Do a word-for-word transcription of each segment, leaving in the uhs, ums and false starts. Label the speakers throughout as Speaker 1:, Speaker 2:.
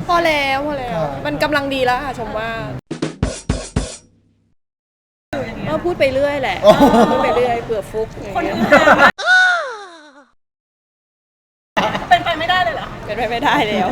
Speaker 1: พอแล้วพอแล้วมันกำลังดีแล้วค่ะชมว่าก็พูดไปเรื่อยแหละพูดไปเรื่อยเผื่อฟุกคนอื่น
Speaker 2: เป็นไปไม่ได้เลยเหรอ
Speaker 1: เป็นไปไม่ได้แล้ว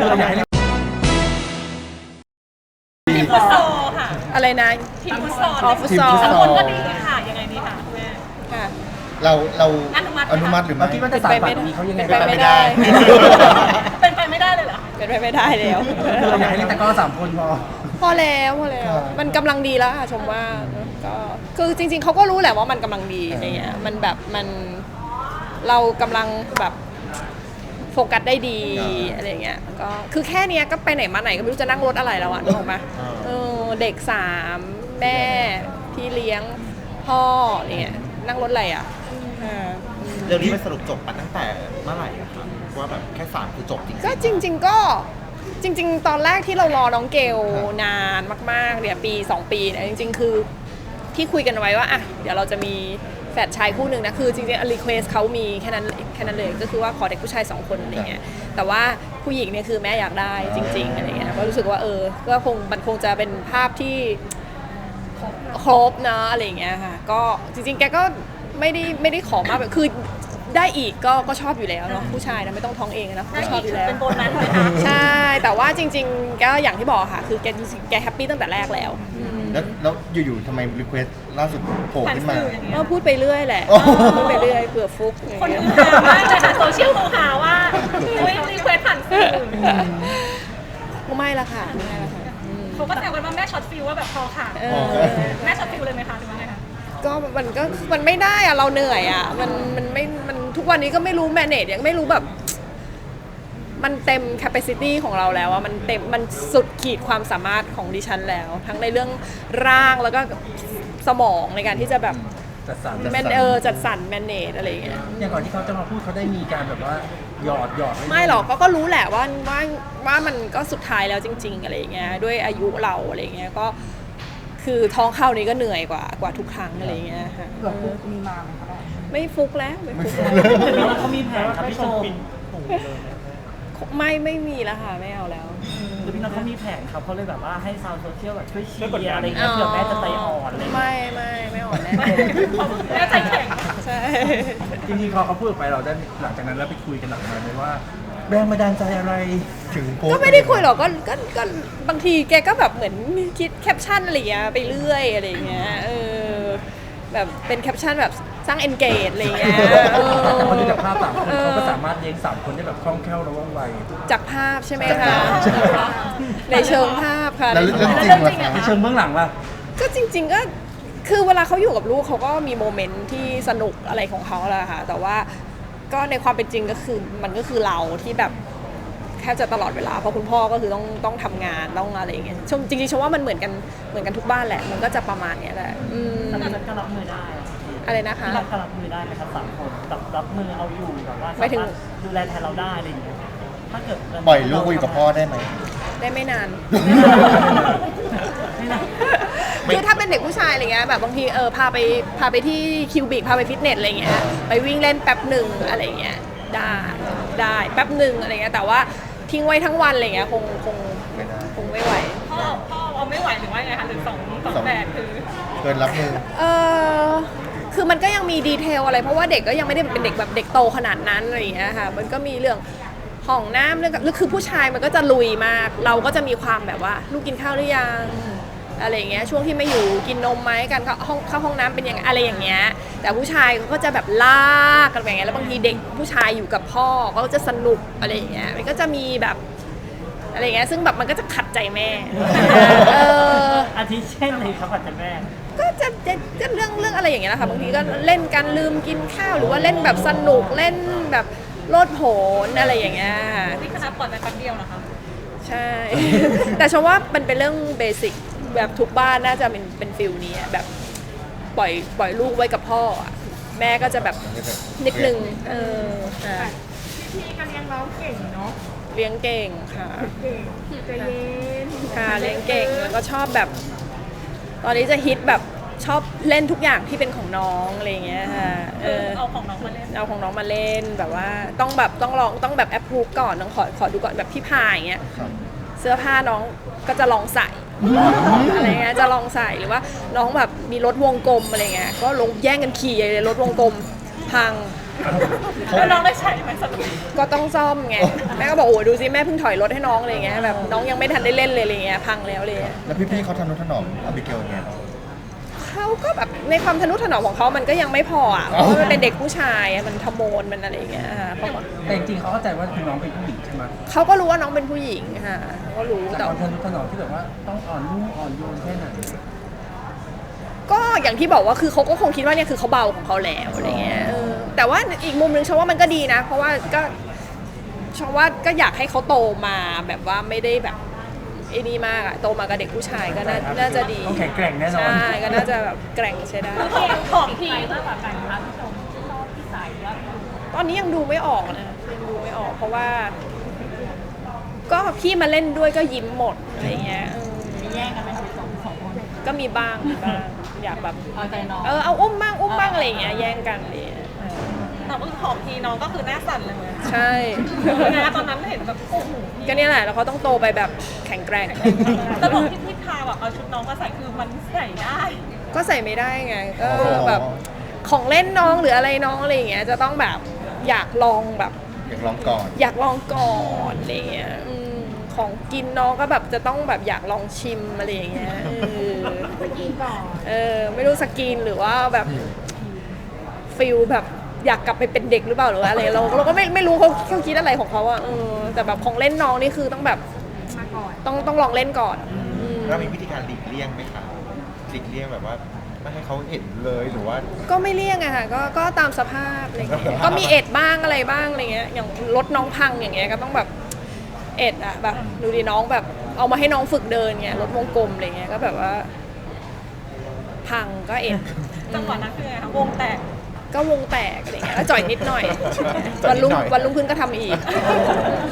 Speaker 2: ทีมฟุตซอลค่ะ
Speaker 1: อะไรนะ
Speaker 2: ทีมฟุตซอล
Speaker 1: อ๋อฟุตซอล
Speaker 2: สองคนก็ดีค่ะยังไงดีค่ะคุณแม่
Speaker 1: ค่ะ
Speaker 3: เราเรา
Speaker 2: อนุมัติ
Speaker 3: อนุมัติหรือไม่
Speaker 4: คิดว่าจะสายป่านนี้เขายังไง
Speaker 1: เป็นไปไม่ได้
Speaker 2: เป็นไปไม่ได้เลยเหรอ
Speaker 1: เป็นไปไม่ได้แล้ว
Speaker 4: เราอยากให้เล่นแต่ก็สามคนพอ
Speaker 1: พอแล้วพอแล้วมันกำลังดีแล้วค่ะชมว่าก็คือจริงๆเขาก็รู้แหละว่ามันกำลังดีอะไรเงี้ยมันแบบมันเรากำลังแบบโฟกัสได้ดีอะไรเงี้ยก็คือแค่เนี้ยก็ไปไหนมาไหนก็ไม่รู้จะนั่งรถอะไรแล้วอ่ะนึกออกปะเออเด็กสามแม่พี่เลี้ยงพ่อเนี่ยนั่งรถอะไรอ่ะ
Speaker 3: เรื่องนี้มันสรุปจบมาตั้งแต่เมื่อไหร่อะครับว่าแบบแค่สามคือจบจริง
Speaker 1: ก็จริงๆก็จริงๆตอนแรกที่เรารอน้องเกลนานมากๆเนี่ยปีสองปีเนี่ยจริงๆคือที่คุยกันไว้ว่าอ่ะเดี๋ยวเราจะมีแฝดชายคู่หนึ่งนะคือจริงๆรีเควสเขามีแค่นั้นแค่นั้นเลยก็คือว่าขอเด็กผู้ชายสองคนอะไรเงี้ยแต่ว่าผู้หญิงเนี่ยคือแม่อยากได้จริงๆอะไรเงี้ยก็รู้สึกว่าเออก็คงมันคงจะเป็นภาพที่ครบนะอะไรเงี้ยค่ะก็จริงๆแกก็ไม่ได้ไม่ได้ขอมากแบบคือได้อีกก็ก็ชอบอยู่แล้วเนาะผู้ชายนะไม่ต้องท้องเองนะก็ชอบอยู่แล้ว
Speaker 2: เป็นโบนัสเลยค่ะ
Speaker 1: ใช่แต่ว่าจริงๆก็อย่างที่บอกค่ะคือแกแกแฮปปี้ตั้งแต่แรกแล้ว
Speaker 3: แล้วแล้วอยู่ๆทำไมรีเควสล่าสุดโผล่ขึ้นมา
Speaker 1: ก็พูดไปเรื่อยแหละพูดไปเรื่อยเผื่อฟุก
Speaker 2: คนอื่นมากเลยค่ะโซเชียลเขาหาว่าอุ้ยรีเควสผ่านสื่อ
Speaker 1: ไม่ละค่ะไม่ละค่ะ
Speaker 2: เขาก็แซวกันว่าแม่ช็อตฟิลว่าแบบพอค่ะแม่ช็อตฟิลเลยไหมคะหรือว่าไงคะ
Speaker 1: ก็มันก็มันไม่ได้อะเราเหนื่อยอะมันมันไม่มันทุกวันนี้ก็ไม่รู้แมเนจยังไม่รู้แบบมันเต็ม capacity ของเราแล้วอะมันเต็มมันสุดขีดความสามารถของดิฉันแล้วทั้งในเรื่องร่างแล้วก็สมองในการที่จะแบบ
Speaker 4: จัดสรร
Speaker 1: แมนเออจัดสรรแมเนจอะไรอย่างเงี้ย
Speaker 4: อย่างก่อนที่เขาจะมาพูดเขาได้มีการแบบว่าหยอดหยอด
Speaker 1: ไม่หรอกก็ก็รู้แหละว่าว่าว่ามันก็สุดท้ายแล้วจริงๆอะไรอย่างเงี้ยด้วยอายุเราอะไรอย่างเงี้ยก็คือท้องเข้านี้ก็เหนื่อยกว่ากว่าทุกครั้งอะไรเงี้ยค่ะ
Speaker 2: เผื่อฟุกมีมาไหมคะ
Speaker 1: ไม่ฟุกแล้วไม่ฟุก
Speaker 4: แล้วเขามีแผนครับพี่ชม
Speaker 1: ไม่ไม่มีแล้วค่ะไม่เอาแล้ว
Speaker 4: คือพี่น้องเขามีแผนครับเขาเลยแบบว่าให้ชาวโซเชียลแบบช่วยเชียร์อะไรเงี้ยเผื่อแม่จะใจอ่อนอะไร
Speaker 1: ไม่ไม่ไม่อ่อนแน่
Speaker 2: แม่ใจแข็ง
Speaker 1: ใช่
Speaker 4: จริงๆพอเขาพูดไปเราได้หลังจากนั้นเราไปคุยกันหลังมาไหมว่าแรงบันดาลใจอะไร
Speaker 3: ถึง
Speaker 1: ก็ไม่ได้คุยหรอกก็ก็ก็บางทีแกก็แบบเหมือนคิดแคปชั่นอะไรเงี้ยไปเรื่อยอะไรเงี้ยเออแบบเป็นแคปชั่นแบบสร้าง engage อะไรเงี้ย
Speaker 4: เขาดูจากภาพสามคนเขาก็สามารถเลี้ยงสามคนได้แบบคล่องแคล่วและว่องไว
Speaker 1: จากภาพใช่ไหมคะในเชิงภาพค่ะ
Speaker 3: แล้วเรื่องจริงล่ะคะ
Speaker 4: ในเชิงเบื้องหลังล่ะ
Speaker 1: ก็จริงๆก็คือเวลาเขาอยู่กับลูกเขาก็มีโมเมนต์ที่สนุกอะไรของเขาแหละค่ะแต่ว่าก็ในความเป็นจริงก็คือมันก็คือเราที่แบบแค่จะตลอดเวลาเพราะคุณพ่อก็คือต้องต้องทำงานต้องอะไรอย่างเงี้ยชมจริงๆชมว่ามันเหมือนกันเหมือนกันทุกบ้านแหละมันก็จะประมาณเนี้ยแหละอืม
Speaker 2: แล้วเราจะรับมือได้
Speaker 1: อะไรนะคะ
Speaker 4: รับรับมือได้ไหมครับสามคนรับรับมือเอาอยู่แบบว่าสามารถดูแลแทนเราได้อะไรอย่างเงี้ยถ้าเกิด
Speaker 3: ปล่อยลูกอยู่กับพ่อได้ไหม
Speaker 1: ได้ไม่นานคือถ้าเป็นเด็กผู้ชายอะไรเงี้ยแบบบางทีเออพาไปพาไปที่คิวบิกพาไปฟิตเนสอะไรเงี้ยไปวิ่งเล่นแป๊บหนึ่งอะไรเงี้ยได้ได้แป๊บหนึ่งอะไรเงี้ยแต่ว่าทิ้งไว้ทั้งวันอะไรเงี้ยคงคงคงไม่ไหว
Speaker 2: พ่อพ่อเอาไม่ไหวหรือว่าไงคะหรือสองสองแบบคือ
Speaker 3: เกินรับมือ
Speaker 1: เออคือมันก็ยังมีดีเทลอะไรเพราะว่าเด็กก็ยังไม่ได้เป็นเด็กแบบเด็กโตขนาดนั้นอะไรอย่างเงี้ยค่ะมันก็มีเรื่องห้องน้ำเรื่องหรือคือผู้ชายมันก็จะลุยมากเราก็จะมีความแบบว่าลูกกินข้าวหรือยังอะไรอย่างเงี้ยช่วงที่ไม่อยู่กินนมไหมกันเข้าห้องเข้าห้องน้ำเป็นยังไงอะไรอย่างเงี้ยแต่ผู้ชายก็จะแบบลากกันอย่างเงี้ยแล้วบางทีเด็กผู้ชายอยู่กับพ่อก็จะสนุกอะไรอย่างเงี้ยมันก็จะมีแบบอะไรเงี้ยซึ่งแบบมันก็จะขัดใจแม่เออ
Speaker 4: อาทิเช่นอะไรครับขัดใจแม่
Speaker 1: ก็จะจะเรื่องเรื่องอะไรอย่างเงี้ยแหละค่ะบางทีก็เล่นกันลืมกินข้าวหรือว่าเล่นแบบสนุกเล่นแบบโลดโผนอะไรอย่างเงี้ย
Speaker 2: นี่ขนาดปล่อยไปแป๊บเดียวนะคะ
Speaker 1: ใช่แต่ฉันว่ามันเป็นเรื่องเบสิกแบบทุกบ้านน่าจะเป็นเป็นฟิลนี้แบบปล่อยปล่อยลูกไว้กับพ่อแม่ก็จะแบบนิดนึงเออ
Speaker 2: พี่ๆก็เลี้ยงเราเก่งเนาะ
Speaker 1: เลี้ยงเก่งค่ะ
Speaker 2: เก่งใจเย็น
Speaker 1: ค่ะเลี้ยงเก่งแล้วก็ชอบแบบตอนนี้จะฮิตแบบชอบเล่นทุกอย่างที่เป็นของน้องอะไรเงี้ยค่ะ
Speaker 2: เออเอาของน้องมาเล่น
Speaker 1: เอาของน้องมาเล่นแบบว่าต้องแบบต้องลองต้องแบบแอปพูฟก่อนต้องขอขอดูก่อนแบบพี่พายอย่างเงี้ยเสื้อผ้าน้องก็จะลองใส่อะไรเงี้ยจะลองใส่หรือว่าน้องแบบมีรถวงกลมอะไรเงี้ยก็ลงแย่งกันขี่เลยรถวงกลมพัง
Speaker 2: แล้วน้องได้ใช้ไหมสรุป
Speaker 1: ก็ต้องซ่อมไงแม่ก็บอกโอ้ยดูสิแม่เพิ่งถอยรถให้น้องอะไรเงี้ยแบบน้องยังไม่ทันได้เล่นเลยอะไรเงี้ยพังแล้วเลย
Speaker 5: แล้วพี่ๆเขาทำนุถนอมอบิเกลไง
Speaker 1: เขาก็แบบในความทนุถนอมของเขามันก็ยังไม่พออ่ะเพราะว่ามันเป็นเด็กผู้ชายอะมันทะโมนมันอะไรเงี้ยค่ะเขาก็
Speaker 6: แต่จริงๆเขาเข้าใจว่าน้องเป็นผู้หญิงใช่ไหม
Speaker 1: เขาก็รู้ว่าน้องเป็นผู้หญิงค่ะเขาก็รู้
Speaker 6: จาก
Speaker 1: แต่
Speaker 6: ความทนุถนอมที่แบบว่าต้องอ่อนนุ่มอ่อนโยนแค่ไหน
Speaker 1: ก็อย่างที่บอกว่าคือเขาก็คงคิดว่าเนี่ยคือเขาเบาของเขาแล้วอะไรเงี้ยเออแต่ว่าอีกมุมนึงฉันว่ามันก็ดีนะ เพราะว่าก็ฉันว่าก็อยากให้เขาโตมาแบบว่าไม่ได้แบบไอ้นี่มากอะโตมากับเด็กผู้ชายก็น่าน่าจะดี
Speaker 6: ต้องแข็งแกร่งแน่นอน
Speaker 1: ใช่ก็น่าจะแบบแกร่งใช้ได้
Speaker 2: ของทีมากกว่ากันคะพี่ชมชอบพี่สายว่า
Speaker 1: ตอนนี้ยังดูไม่ออกนะยังดูไม่ออก เพราะว่า ก็พี่มาเล่นด้วยก็ยิ้มหมดอะไรเงี้ยเออ
Speaker 2: มีแย่งกันไหมคะสองสองคน
Speaker 1: ก็มีบ้างมีบ้างอยากแบบ
Speaker 2: เอาใจน้อง
Speaker 1: เออเอาอุ้มบ้างอุ้มบ้างอะไรเงี้ยแย่งกันเลยเออ
Speaker 2: แต่ว่าของทีน้องก็คือหน้าสั่นเลย
Speaker 1: ใช่
Speaker 2: นะตอนนั้นเห็นแบบโอ้โห
Speaker 1: ก็เนี่ยแหละแล้วเขาต้องโตไปแบบแข็งแกร่ง
Speaker 2: แต่บอกที่พี่พาแบบเอาชุดน้องมาใส่คือมันใส่ได้
Speaker 1: ก็ใส่ไม่ได้ไงก็แบบของเล่นน้องหรืออะไรน้องอะไรอย่างเงี้ยจะต้องแบบอยากลองแบบ
Speaker 5: อยากลองก่อน
Speaker 1: อยากลองก่อนอะไรเงี้ยอืมของกินน้องก็แบบจะต้องแบบอยากลองชิมอะไรอย่างเงี้ยเออกินก่อนเออไม่รู้สกินหรือว่าแบบฟิลแบบอยากกลับไปเป็นเด็กหรือเปล่าหรือว่าอะไรเราเราก็ไม่ไม่รู้เขาเขาคิดอะไรของเขาอะเออแต่แบบของเล่นน้องนี่คือต้องแบบต้องต้องลองเล่นก่อนอืม
Speaker 3: แล้วมีวิธีการหลีกเลี่ยงไหมคะหลีกเลี่ยงแบบว่าไม่ให้เขาเห็นเลยหรือว่า
Speaker 1: ก็ไม่เลี่ยงอะค่ะก็ก็ตามสภาพอะไรเงี้ยก็มีเอ็ดบ้างอะไรบ้างอะไรเงี้ยอย่างรถน้องพังอย่างเงี้ยก็ต้องแบบเอ็ดอะแบบดูดิน้องแบบเอามาให้น้องฝึกเดินเงี้ยรถวงกลมอะไรเงี้ยก็แบบว่า พังก็เอ็ด
Speaker 2: จังหวะนั้นคือไงคะวงแตก
Speaker 1: ก็วงแตกอะไรเงี้ยแล้วจ่อยนิดหน่อย
Speaker 3: จ่
Speaker 1: วั
Speaker 3: อย
Speaker 1: น
Speaker 3: นิด
Speaker 1: รุ่ง
Speaker 3: หน่อย
Speaker 1: วันรุ่งขึ้นก็ทำอีก